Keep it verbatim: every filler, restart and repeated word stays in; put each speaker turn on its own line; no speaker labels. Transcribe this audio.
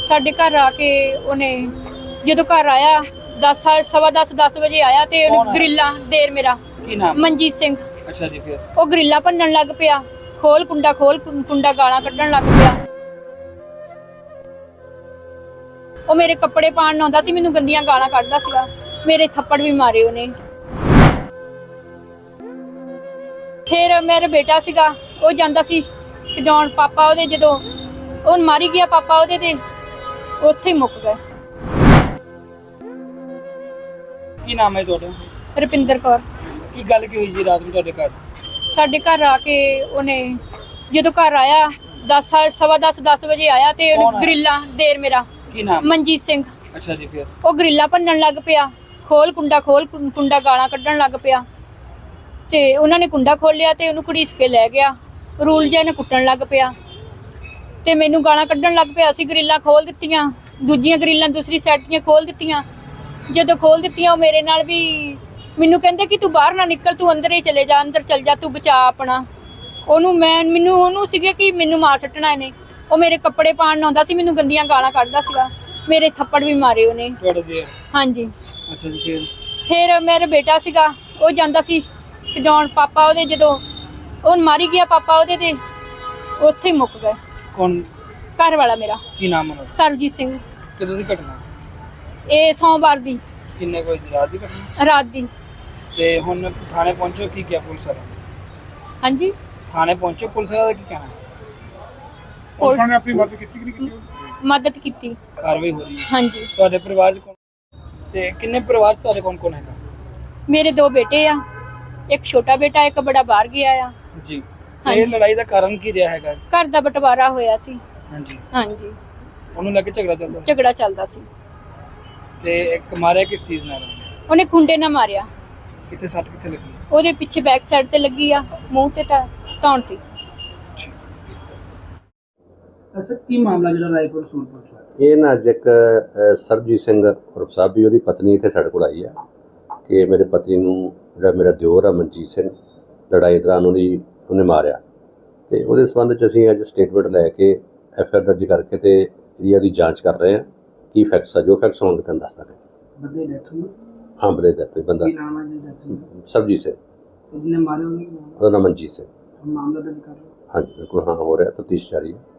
ਸਾਡੇ ਘਰ ਆ ਕੇ ਉਹਨੇ ਜਦੋਂ ਘਰ ਆਇਆ ਦਸ ਸਵਾ ਦਸ ਦਸ ਵਜੇ ਆਇਆ ਤੇ
ਕੌਣ
ਉਹਨੇ
ਆਇਆ?
ਗਰਿੱਲਾਂ ਦੇਰ ਮੇਰਾ
ਕੀ ਨਾਮ?
ਮਨਜੀਤ ਸਿੰਘ।
ਅੱਛਾ ਜੀ, ਫਿਰ
ਉਹ ਗਰਿੱਲਾਂ ਭੰਨਣ ਲੱਗ ਪਿਆ, ਖੋਲ ਕੁੰਡਾ ਖੋਲ ਕੁੰ- ਕੁੰਡਾ ਗਾਲਾਂ ਕੱਢਣ ਲੱਗ ਪਿਆ। ਉਹ ਮੇਰੇ ਕੱਪੜੇ ਪਾਣ ਆਉਂਦਾ ਸੀ, ਮੈਨੂੰ ਗੰਦੀਆਂ ਗਾਲਾਂ ਕੱਢਦਾ ਸੀਗਾ, ਮੇਰੇ ਥੱਪੜ ਵੀ ਮਾਰੇ ਉਹਨੇ। ਫਿਰ ਮੇਰਾ ਬੇਟਾ ਸੀਗਾ, ਉਹ ਜਾਂਦਾ ਸੀ ਛਡਾਉਣ, ਪਾਪਾ ਉਹਦੇ ਜਦੋਂ ਉਹ ਮਾਰੀ ਗਿਆ ਪਾਪਾ ਉਹਦੇ ਤੇ ਉੱਥੇ ਹੀ ਮੁੱਕ ਗਏ।
ਕੀ ਨਾਮ ਹੈ ਤੁਹਾਡਾ?
ਰੁਪਿੰਦਰ ਕੌਰ।
ਕੀ ਗੱਲ ਕੀ ਹੋਈ ਜੀ ਰਾਤ ਨੂੰ ਤੁਹਾਡੇ ਘਰ?
ਸਾਡੇ ਘਰ ਆ ਕੇ ਉਹਨੇ ਜਦੋਂ ਘਰ ਆਇਆ ਦਸ ਸਵਾ ਦਸ ਦਸ ਵਜੇ ਆਇਆ ਤੇ
ਕੌਣ
ਉਹਨੇ
ਆਇਆ?
ਗਰਿੱਲਾਂ ਦੇਰ ਮੇਰਾ
ਕੀ ਨਾਮ?
ਮਨਜੀਤ ਸਿੰਘ।
ਅੱਛਾ ਜੀ, ਫਿਰ
ਉਹ ਗਰਿੱਲਾਂ ਭੰਨਣ ਲੱਗ ਪਿਆ, ਖੋਲ ਕੁੰਡਾ ਖੋਲ ਕੁੰ- ਕੁੰਡਾ ਗਾਲਾਂ ਕੱਢਣ ਲੱਗ ਪਿਆ ਤੇ ਉਹਨਾਂ ਨੇ ਕੁੰਡਾ ਖੋਲਿਆ ਤੇ ਉਹਨੂੰ ਘੜੀਸ ਕੇ ਲੈ ਗਿਆ। ਰੂਲ ਜਿਹਾ ਨੇ ਕੁੱਟਣ ਲੱਗ ਪਿਆ ਤੇ ਮੈਨੂੰ ਗਾਲਾਂ ਕੱਢਣ ਲੱਗ ਪਿਆ। ਅਸੀਂ ਗਰਿੱਲਾਂ ਖੋਲ ਦਿੱਤੀਆਂ, ਦੂਜੀਆਂ ਗਰਿੱਲਾਂ ਦੂਸਰੀ ਸਾਈਡ ਦੀਆਂ ਖੋਲ ਦਿੱਤੀਆਂ। ਜਦੋਂ ਖੋਲ ਦਿੱਤੀਆਂ ਉਹ ਮੇਰੇ ਨਾਲ ਵੀ ਮੈਨੂੰ ਕਹਿੰਦੇ ਕਿ ਤੂੰ ਬਾਹਰ ਨਾ ਨਿਕਲ, ਤੂੰ ਅੰਦਰ ਹੀ ਚਲੇ ਜਾ, ਅੰਦਰ ਚਲ ਜਾ, ਤੂੰ ਬਚਾ ਆਪਣਾ। ਉਹਨੂੰ ਮੈਂ ਮੈਨੂੰ ਉਹਨੂੰ ਸੀਗੇ ਕਿ ਮੈਨੂੰ ਮਾਰ ਸੱਟਣਾ ਇਹਨੇ। ਉਹ ਮੇਰੇ ਕੱਪੜੇ ਪਾਣ ਆਉਂਦਾ ਸੀ, ਮੈਨੂੰ ਗੰਦੀਆਂ ਗਾਲਾਂ ਕੱਢਦਾ ਸੀਗਾ, ਮੇਰੇ ਥੱਪੜ ਵੀ ਮਾਰੇ ਉਹਨੇ।
ਤੁਹਾਡੇ ਦੇ?
ਹਾਂਜੀ।
ਅੱਛਾ ਜੀ, ਫਿਰ
ਫਿਰ ਮੇਰਾ ਬੇਟਾ ਸੀਗਾ, ਉਹ ਜਾਂਦਾ ਸੀ ਛਡਾਉਣ, ਪਾਪਾ ਉਹਦੇ ਜਦੋਂ ਉਹ ਮਾਰੀ ਗਿਆ ਪਾਪਾ ਉਹਦੇ ਤੇ ਉੱਥੇ ਹੀ ਮੁੱਕ ਗਏ।
ਕੌਣ?
ਘਰ ਵਾਲਾ ਮੇਰਾ
ਕੀ ਨਾਮ ਹੈ?
ਸਰਬਜੀਤ ਸਿੰਘ।
ਕਦੋਂ ਦੀ ਘਟਨਾ?
ਇਹ ਸੋਮਵਾਰ ਦੀ
ਕਿੰਨੇ ਕੋਈ ਰਾਤ ਦੀ ਘਟਨਾ?
ਰਾਤ ਦੀ।
ਤੇ ਹੁਣ ਥਾਣੇ ਪਹੁੰਚੋ, ਕੀ ਕਿਹਾ ਪੁਲਿਸ ਵਾਲਾ?
ਹਾਂਜੀ,
ਥਾਣੇ ਪਹੁੰਚੋ, ਪੁਲਿਸ ਵਾਲਾ ਦਾ ਕੀ ਕਹਿਣਾ?
ਪੁਲਿਸ
ਨੇ ਆਪਣੀ ਮਦਦ ਕੀਤੀ ਕਿ ਨਹੀਂ ਕੀਤੀ?
ਮਦਦ ਕੀਤੀ।
ਕਾਰਵਾਈ ਹੋ ਰਹੀ ਹੈ।
ਹਾਂਜੀ।
ਤੁਹਾਡੇ ਪਰਿਵਾਰ ਚ ਕੌਣ ਤੇ ਕਿੰਨੇ ਪਰਿਵਾਰ ਚ ਤੁਹਾਡੇ ਕੌਣ ਕੌਣ ਹੈਗਾ?
ਮੇਰੇ ਦੋ ਬੇਟੇ ਆ, ਇੱਕ ਛੋਟਾ ਬੇਟਾ, ਇੱਕ ਬੜਾ ਬਾਹਰ ਗਿਆ ਆ।
ਜੀ।
ਹਾਂਜੀ।
ਇਹ ਲੜਾਈ ਦਾ ਕਾਰਨ ਕੀ ਰਿਹਾ ਹੈਗਾ?
ਘਰ ਦਾ ਬਟਵਾਰਾ ਹੋਇਆ ਸੀ।
ਹਾਂਜੀ।
ਹਾਂਜੀ,
ਉਹਨੂੰ ਲੈ ਕੇ ਝਗੜਾ ਚੱਲਦਾ ਸੀ?
ਝਗੜਾ ਚੱਲਦਾ ਸੀ।
ਤੇ ਇੱਕ ਮਾਰਿਆ ਕਿਸ ਚੀਜ਼ ਨਾਲ?
ਉਹਨੇ ਖੁੰਡੇ ਨਾਲ ਮਾਰਿਆ।
ਕਿੱਥੇ ਸੱਟ ਕਿੱਥੇ ਲੱਗੀ?
ਉਹਦੇ ਪਿੱਛੇ ਬੈਕ ਸਾਈਡ ਤੇ ਲੱਗੀ ਆ, ਮੂੰਹ ਤੇ ਤਾਂ ਧੌਣ ਤੇ।
ਅਸਲ ਕੀ ਮਾਮਲਾ ਜਿਹੜਾ ਰਾਏਪੁਰ ਸੂਰਪੁਰ ਚ ਹੋਇਆ?
ਇਹ ਨਾ ਅੱਜ ਇੱਕ ਅ, ਸਰਬਜੀਤ ਸਿੰਘ ਉਰਫ ਸਾਬੀ, ਉਹਦੀ ਪਤਨੀ ਇੱਥੇ ਸਾਡੇ ਕੋਲ ਆਈ ਆ ਕਿ ਮੇਰੇ ਪਤੀ ਨੂੰ ਜਿਹੜਾ ਮੇਰਾ ਦਿਓਰ ਆ ਮਨਜੀਤ ਸਿੰਘ, ਲੜਾਈ ਦੌਰਾਨ ਉਹਦੀ ਉਹਨੇ ਮਾਰਿਆ। ਤੇ ਉਹਦੇ ਸੰਬੰਧ 'ਚ ਅਸੀਂ ਅੱਜ ਸਟੇਟਮੈਂਟ ਲੈ ਕੇ ਐਫ ਆਈ ਆਰ ਦਰਜ ਕਰਕੇ ਤੇ ਜਿਹੜੀ ਉਹਦੀ ਜਾਂਚ ਕਰ ਰਹੇ ਹਾਂ। ਕੀ ਫੈਕਟਸ ਆ, ਜੋ ਫੈਕਟਸ ਹੋਣਗੇ ਤੁਹਾਨੂੰ ਦੱਸ ਦਾਂਗੇ।
ਬੰਦੇ ਡੈਥ ਹੋਈ?
ਹਾਂ, ਬੰਦੇ ਦਾ ਕੋਈ ਬੰਦਾ
ਕੀ ਨਾਮ ਹੈ ਜੀ ਡੈਥ ਹੋਈ?
ਸਰਬਜੀਤ ਸਿੰਘ,
ਜਿਹਨੇ ਮਾਰੇ ਉਹਨੇ ਕੀ ਨਾਮ?
ਉਹਦਾ ਨਾਮ ਮਨਜੀਤ ਸਿੰਘ।
ਮਾਮਲਾ ਦਰਜ ਕਰ ਲਓ।
ਹਾਂਜੀ ਬਿਲਕੁਲ, ਹਾਂ ਹੋ ਰਿਹਾ, ਤਫਤੀਸ਼ ਜਾਰੀ ਹੈ।